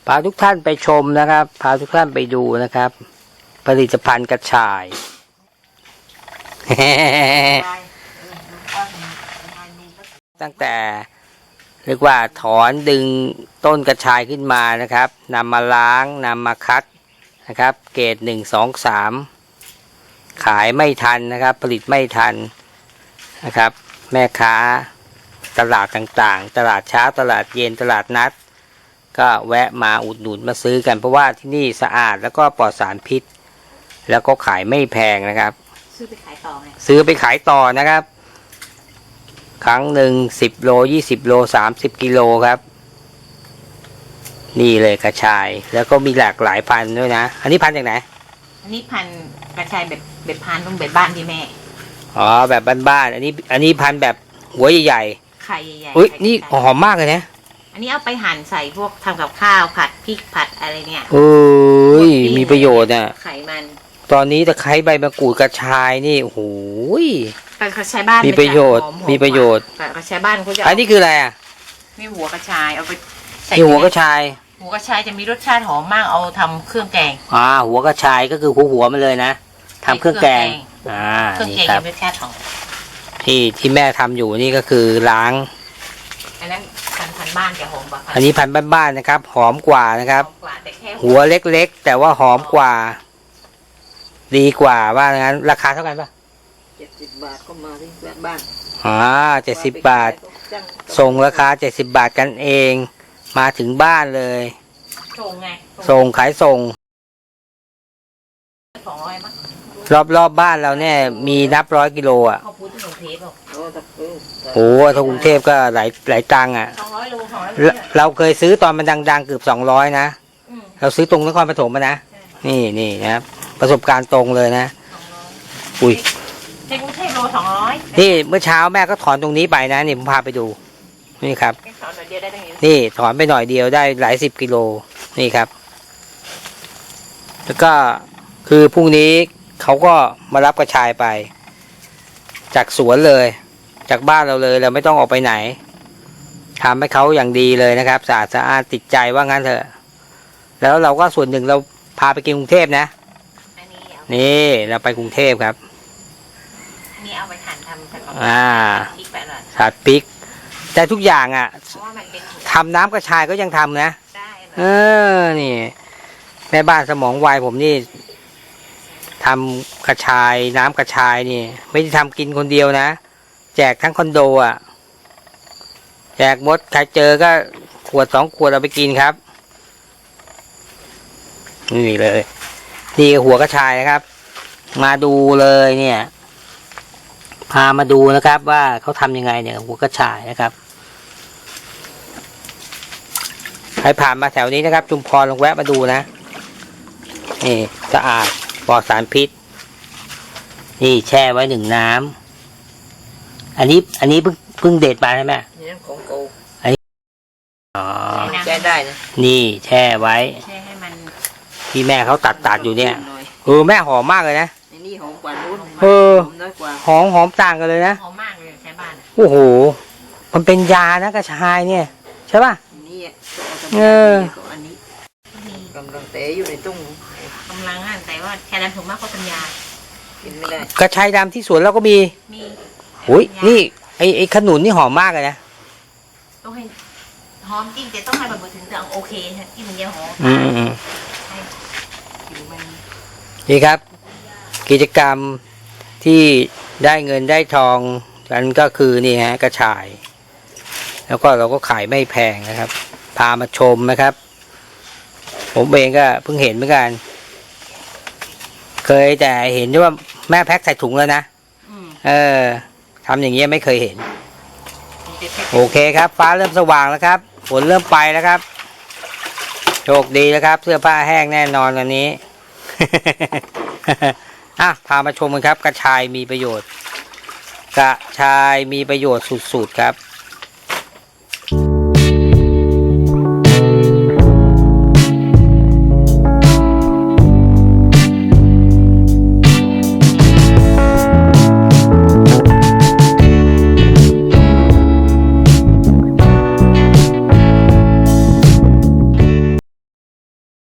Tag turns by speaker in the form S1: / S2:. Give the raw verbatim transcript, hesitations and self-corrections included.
S1: พาทุกท่านไปชมนะครับพาทุกท่านไปดูนะครับผลิตภัณฑ์กระชาย ตั้งแต่เรียกว่าถอนดึงต้นกระชายขึ้นมานะครับนำมาล้างนำมาคัดนะครับเกรดหนึ่งสองสามขายไม่ทันนะครับผลิตไม่ทันนะครับแม่ค้าตลาดต่างๆตลาดเช้าตลาดเย็นตลาดนัดก็แวะมาอุดหนุนมาซื้อกันเพราะว่าที่นี่สะอาดแล้วก็ปลอดสารพิษแล้วก็ขายไม่แพงนะครับ
S2: ซื้อไปขายต่อไง
S1: ซื้อไปขายต่อนะครับครั้งหนึ่งสิบโลยี่สิบโลสามสิบกิโลครับนี่เลยกระชายแล้วก็มีหลากหลายพันธุ์ด้วยนะอันนี้พันธุ์จากไหน
S2: อันนี้พันธุ์กระชายแบบแบบพันธุ์ต้องแบบบ้านที่แม่
S1: อ๋อแบบบ้านๆอันนี้อันนี้พันธุ์แบบหัวใหญ่
S2: ๆไข่ใหญ่
S1: ๆอุ้ยนี่หอมมากเลยนะ
S2: อันนี้เอาไปหั่นใส่พวกทำกับข้าวผัดพริกผัดอะไรเนี่ย
S1: เอ้ยมีประโยชน์อ่ะ
S2: ไข่มัน
S1: ตอนนี้ตะไคร้ใบมะกรูดกระชายนี่โอ้โห
S2: กระชายบ้าน
S1: มีประโยชน์มีประโยชน์
S2: กระชายบ้านเขาจะ
S1: อันนี้คืออะไรอ่ะ
S2: มีหัวกระชายเอาไปใส่
S1: หัวกระชาย
S2: หัวกระชายจะมีรสชาติหอมมากเอาทำเครื่องแกง
S1: อ่าหัวกระชายก็คือหัวหัวมันเลยนะทำเครื่องแกงอ่า
S2: เครื่องแกงมีรสชาติหอม
S1: ที่ที่แม่ทำอยู่นี่ก็คือล้าง
S2: อันนั้นพันพันบ้านจะหอมกว่า
S1: อันนี้พันบ้านๆนะครับหอมกว่านะครับหัวเล็กๆแต่ว่าหอมกว่าดีกว่าว่างั้นราคาเท่ากันปะ
S2: เจ็ดสิบบาทก็มาที่บ้าน
S1: อ่าเจ็ดสิบบาทส่งราคาเจ็ดสิบบาทกันเองมาถึงบ้านเลย
S2: ส่งไง
S1: ส่งขายส่ง
S2: สองร้อยมั้ง
S1: รอบรอบบ้านเราเนี่ยมีนับร้อยกิโลอ่ะ
S2: เขาพูดถึงกรุงเทพหรอ
S1: โอ้ถ้ากรุงเทพก็หลายหลายตังค์อ่ะ
S2: สองร้อยโลสองร้อย
S1: เราเคยซื้อตอนมันดังๆเกือบสองร้อยนะเราซื้อตรงนครปฐมมานะนี่นี่นะครับประสบการณ์ตรงเลยนะอุ้ย
S2: ในกรุงเทพโลสองร้อย
S1: นี่เมื่อเช้าแม่ก็ถอนตรงนี้ไปนะนี่ผมพาไปดูนี่ครับนี่ถอนไปหน่อยเดียวได้หลายสิบกิโลนี่ครับแล้วก็คือพรุ่งนี้เขาก็มารับกระชายไปจากสวนเลยจากบ้านเราเลยเราไม่ต้องออกไปไหนทำให้เขาอย่างดีเลยนะครับสะอาดสะอาดติดใจว่างั้นเถอะแล้วเราก็ส่วนหนึ่งเราพาไปกินกรุงเทพนะนี่เราไปกรุงเทพครับ
S2: อันนี้เอาไปหั่นทำผัด
S1: อ่าผัดพริกแต่ทุกอย่างอ่ะทำน้ำกระชายก็ยังทำนะเออนี่แม่บ้านสมองไวผมนี่ทำกระชายน้ำกระชายนี่ไม่ได้ทำกินคนเดียวนะแจกทั้งคอนโดอ่ะแจกหมดใครเจอก็ขวดสองขวดเอาไปกินครับนี่เลยนี่หัวกระชายนะครับมาดูเลยเนี่ยพามาดูนะครับว่าเขาทำยังไงเนี่ยหัวกระชายนะครับใครผ่านมาแถวนี้นะครับชุมพรลองแวะมาดูนะนี่สะอาดปลอดสารพิษนี่แช่ไว้หนึ่งน้ำอันนี้อันนี้เพิ่งเพิ่งเด็ดมาใช่ไหม
S2: นี่ของกู
S1: อันนี้อ๋อ
S2: แช่ได้นะ
S1: นี่แช่ไว้
S2: แช่ให้มัน
S1: ที่แม่เขาตัดตัดอยู่เนี่ยเออแม่หอมมากเลยนะ
S2: นี่หอมกว่านู้น
S1: เออหอมหอมต่างกันเลยนะ
S2: หอมมากเลยใช้บ้าน
S1: โอ้โหมันเป็นยานะกระชายเนี่ยใช่ป่ะ
S2: นี่
S1: เออ
S2: อันนี้กำลังเตะอยู่ในตุ้งกำลังอ่ะแต่ว่าแค่นั้นผมมากกว่าปัญญากินไม่ได้
S1: กระชายดำที่สวนเราก็มี
S2: มี
S1: อุ้ยนี่ไอไอขนุนนี่หอมมากเลยนะ
S2: ต้องให้หอมจริงแต่ต้องให้แบบถึงจะโอเคที่มันยังหอม
S1: อืมนี่ครับกิจกรรมที่ได้เงินได้ทองกันก็คือนี่ฮะกระชายแล้วก็เราก็ขายไม่แพงนะครับพามาชมนะครับผมเองก็เพิ่งเห็นเหมือนกันเคยแต่เห็นว่าแม่แพ็คใส่ถุงแล้วนะเออทำอย่างเงี้ยไม่เคยเห็นโอเคครับฟ้าเริ่มสว่างแล้วครับฝนเริ่มไปแล้วครับโชคดีแล้วครับเสื้อผ้าแห้งแน่นอนวันนี้ อ่ะพามาชมกันครับกระชายมีประโยชน์กระชายมีประโยชน์สุดๆครับ